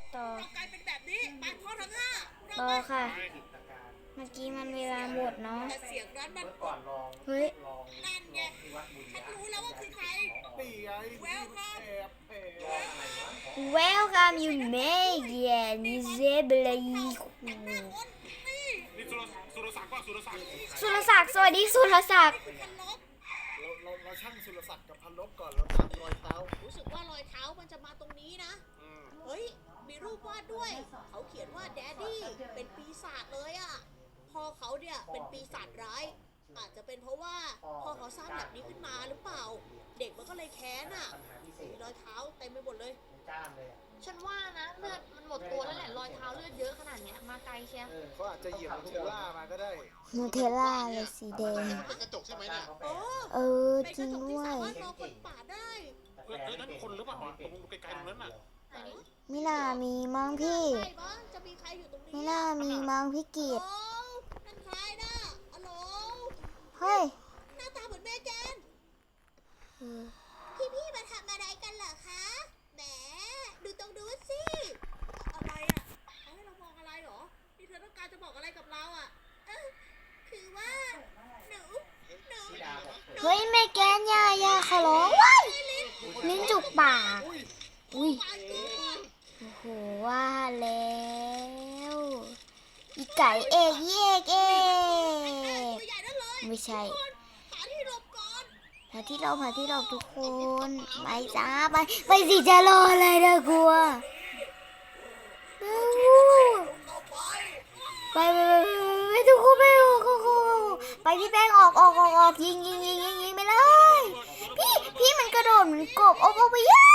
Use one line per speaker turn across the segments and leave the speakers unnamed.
ต่อ
เรากลายเป็นแบบนี้ไปพอทั้งห้า
ต่อค่ะ เมื่อกี้มันเวลาหมดเนาะ
แต่เสียงนั้นมัน
เฮ้ย
นั่นไงฉันรู้แล้วว่าคือใคร
นี่ไง
แววครับ
แอบแอบ
Welcome you Megan Zebra
หน้าคนนี่
นี่สุรศักดิ์ป่ะสุรศักดิ์
สุรศักดิ์สวัสดีสุรศักดิ์
คือพันลบ
เราช่างสุรศักดิ์กับพันลบก่อนเราตามรอยเท้า
รู้สึกว่ารอยเท้ามันจะมาตรงนี้นะ เฮ้ย มีรูปวาดด้วย เขาเขียนว่าแดดดี้เป็นปีศาจเลยอะพ่อเขาเนี่ยเป็นปีศาจร้าย อาจจะเป็นเพราะว่าพ่อเขาสร้างแบบนี้ขึ้นมาหรือเปล่า เด็กมันก็เลยแค้นอะมีรอยเท้าเต็มไปหมดเลย
ฉันว่านะเลือดมันหมดตัวแล้วแหละรอยเท้าเลือดเยอะขนาดเนี้ยมาไกลเชียว
เขาอาจจะเหยียบเทลล่ามาก็ได้
นูเทลล่าเลยสีแดง
เป็นกระจกใช่ไหมเนี่ย
โอ้
เออ
เป็น
จ
ก
ริ
ระ
ง
จกที่
ด้ว
สาย มารถมองคนป่าได้
นั่นคนหรือเปล่าตรงไกลๆตรงนั้นน่ะ
ไหน
มิน่ามีมั้งพี่
ใช่ปะจะมีใครอยู่ตรงนี้
มิน่ามีมั้งพี่กิต
โอ้นั่นใครนะฮัลโหล
เฮ้ย
หน้าตาเหมือนแม่แกน
เออ
พี่มาทำอะไรกันเหรอคะ แหม ดูตรงนู้นสิ อะไรอ่ะเขาให้เรามองอะไรเหรอ นี่เธอต้องการจะบอกอะไรกับเราอ่ะคือว่า หนู
เฮ้ยแม่แกนอย่าขอร้องว้ายลิ้นจุกปาก อุ้ย
ไปก่อน
โอ้โหว่าแล้วอีไก่เอกเอกเอก
ตัวใหญ่นั่นเลย
ไม่ใช่
หาที่หลบก่อน
หาที่หลบทุกคน ไปจ้าไปสิจะรออะไรนะกลัวเร็ว
เข้าไป
ไปทุกคนไปพี่แป้งออกยิงไปเลยพี่มันกระโดดเหมือนกบออกไปเยอะ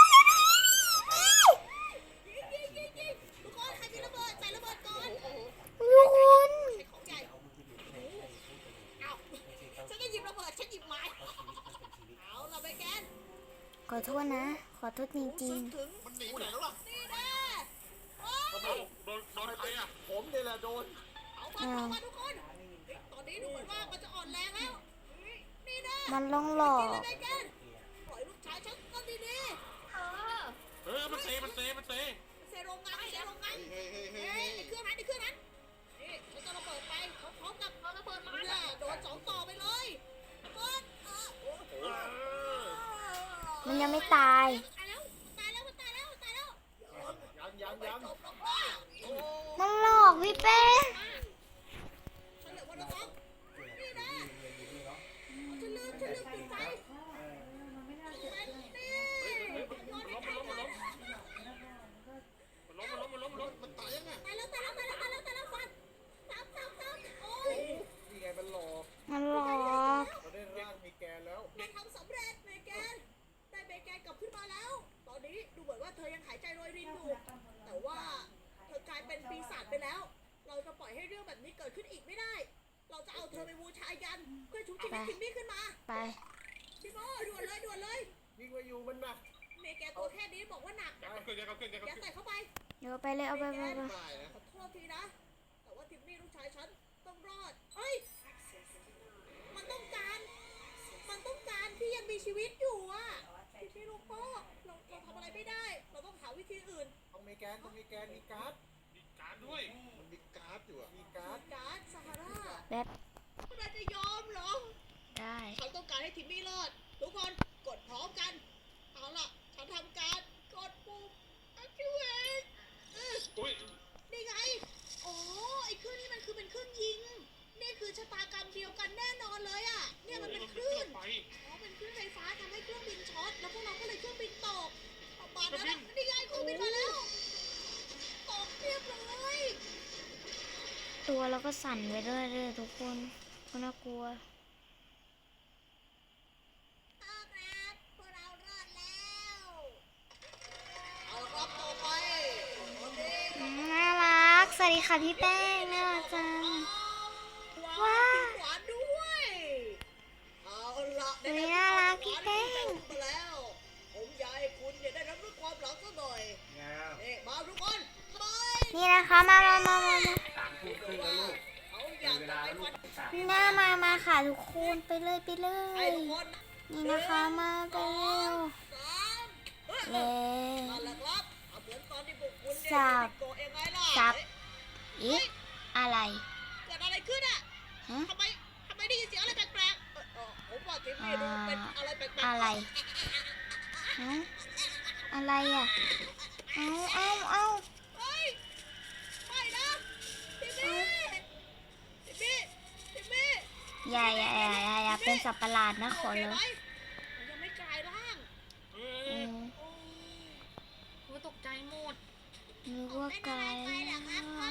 ยิงทุกคนใครมีระเบิดใส่ระเบิดก่อน
ทุกคน
ใช้ของใหญ่เอ้าฉันก็หยิบระเบิดฉันหยิบไม้เอาเราไปแกน
ขอโทษนะ ขอโทษจริง
ถึง
มันหนีไปไหนแล้วล่ะ
นี่แน่โอ้ย
โดนใครอ่ะ
ผมเนี่ยแหละโดน
เอามาทุกคน ตอนนี้ดูเหมือนว่ามันจะอ่อนแรงแล้ว นี่แน่
ๆมันลองหลอ
กิน
ก
เลยแม่แกนปล่อยลูกชายฉันก็ดี
เออ
มันเตะ
ๆเซโรงงานเฮ้ยไอ้เครื่องนั้นนี่ฉันจะระเบิดไปพร้อมกับระเบิดมาเนี่ยโดนสองต่อไปเลยระเบิด
มันยังไม่ตาย
ตายแล้วมันตายแล้ว
ยัง
จบลงว่าโอ้
มันหลอกพี่แป้ง
ฉันเหลือวันละสองนี่นะฉันลืมปิดไฟนี่โยนให้ใครก่อน
มันตายยังไง
ตายแล้วฟันซ้ำโอ้ย
นี่ไงมันหลอก
มันหลอก
เราได้ร่างมีแกนแล้ว
เราทำสำเร็จเมแกนได้เมแกนกลับขึ้นมาแล้ว ตอนนี้ดูเหมือนว่าเธอยังหายใจโรยรินอยู่ แต่ว่าเธอกลายเป็นปีศาจไปแล้ว เราจะปล่อยให้เรื่องแบบนี้เกิดขึ้นอีกไม่ได้ เราจะเอาเธอไปบูชายันเพื่อชุบชีวิตทิมมี่ขึ้นมา
ไป
พี่โมด่วนเลย
วิ่งมาอยู่มันหนัก
เมแกนตัวแค่นี้บอกว่าหนัก
เอาขึ้น
อย่าใส่เข้าไป
เดี๋ยวไปเลยเอาไป
ได้นะ
ขอโทษทีนะ แต่ว่าทิมมี่ลูกชายฉันต้องรอด เฮ้ย มันต้องการที่ยังมีชีวิตอยู่อะทิมมี่ลูกพ่อเราทำอะไรไม่ได้ เราต้องหาวิธีอื่น
ต้องมีแกนมีการ์ด
มีการด้วย
มันมีการ์ดอยู่อะมีการ์ด
การ์ดซาฮารา
แบบ
คุณอาจจะยอมเหรอ
ได้
ฉันต้องการให้ทิมมี่รอด ทุกคนกดพร้อมกัน เอาล่ะ ฉันทำการกดปุ่ม activate
อุ้ย
นี่ไง โอ้ไอ้เครื่องนี้มันคือเป็นเครื่องยิง นี่คือชะตากรรมเดียวกันแน่นอนเลยอ่ะ เนี่ยมันเป็นคลื่น
ไป
อ๋อ เป็นคลื่นไฟฟ้าทำให้เครื่องบินช็อต แล้วพวกเราก็เลยเครื่องบินตกประมาณนั้นอะนี่ไงเครื่องบินมาแล้ว ตกเรียบร้อย
ตัวเราก็สั่นไปด้วยเลยทุกคนก็น่ากลัว
เอาครับพวกเรารอดแล้ว เอาครับต่อไปโอเค
น่ารัก สวัสดีค่ะพี่แป้งน่ารักจัง
ว้าวหวานด้วย เอาละได้รับ
น่ารักพี่แป้ง
มาแล้ว ผมอยากให้คุณเนี่ยได้รับรู้ความหลังสักหน่อยนี่มาทุกคนไป
นี่นะคะมา
เขาอยากจะไปวัน
หน้ามาค่ะทุกคนไปเลย
ไอ้ทุกคน
นี่นะคะมาไปเร็ว
สาม
เร็ว
นั่นแหละครับเอาเหมือนตอนที่พวกคุณ
สสับ
โกะยังไงล่ะ
สับ อีอะไร
เกิดอะไรขึ้นอ่ะ
ฮะ
ทำไมได้ยินเสียงอะไรแปลกๆผมว่าที่นี่ดูเป็นอะไรแปลกๆ
อะไรฮะอะไรอ่ะ เอา
เฮ้ยไม่นะพี่มี่พี่มี่พี่มี่
อย่าเป็นสัตว์ประหลาดนะขอ
โอเค
เล
ไหม
ย
มันยังไม่กลายร่าง
เฮ้
เอย อ
โอ้ย
กูตกใจหมด
นึก
ผม
ว่า
เป็น
ไก
อะ
ล
ไรไปเหรอครับพ่อ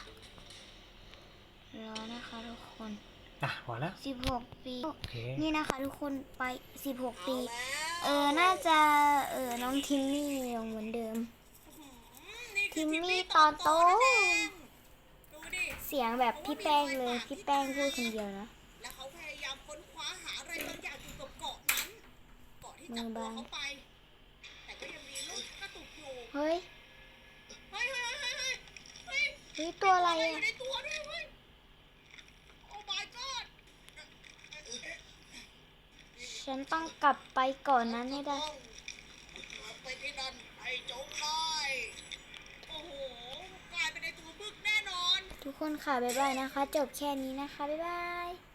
รอนะคะทุกคน
พอแล้ว
16 ปี
โอเค
นี่นะคะทุกคนไป 16 ปี
เอาแล้ว
น่าจะ น้องทิมมี่ยังเหมือนเดิม
นี่คือ
ทิมมี่
ทิมมี่
ตอนโต
นั่นเองดูดิ
เสียงแบบพี่แป้งเลย พี่แป้งพูดคนเดียวนะ
แล้วเขาพยายามค้นคว้าหาอะไรบางอย่างอยู่กับเกาะนั้น เกาะที่จับตัวเขาไป แต่ก็ยังมีลูกกระตุกอยู่
เฮ้ย
เฮ้ย
เฮ้ยตัวอะไร
อ
อ่ะ
ยู่ในตัวด้วยเว้ย โอ้ my god
ฉันต้องกลับไปก่อนนั้นให้ได้
ไปที่นั่นให้จงได้โอ้โห กลายเป็นในตัวบึกแน่นอน
ทุกคนค่ะ บ๊ายบายนะคะ จบแค่นี้นะคะ บ๊ายบาย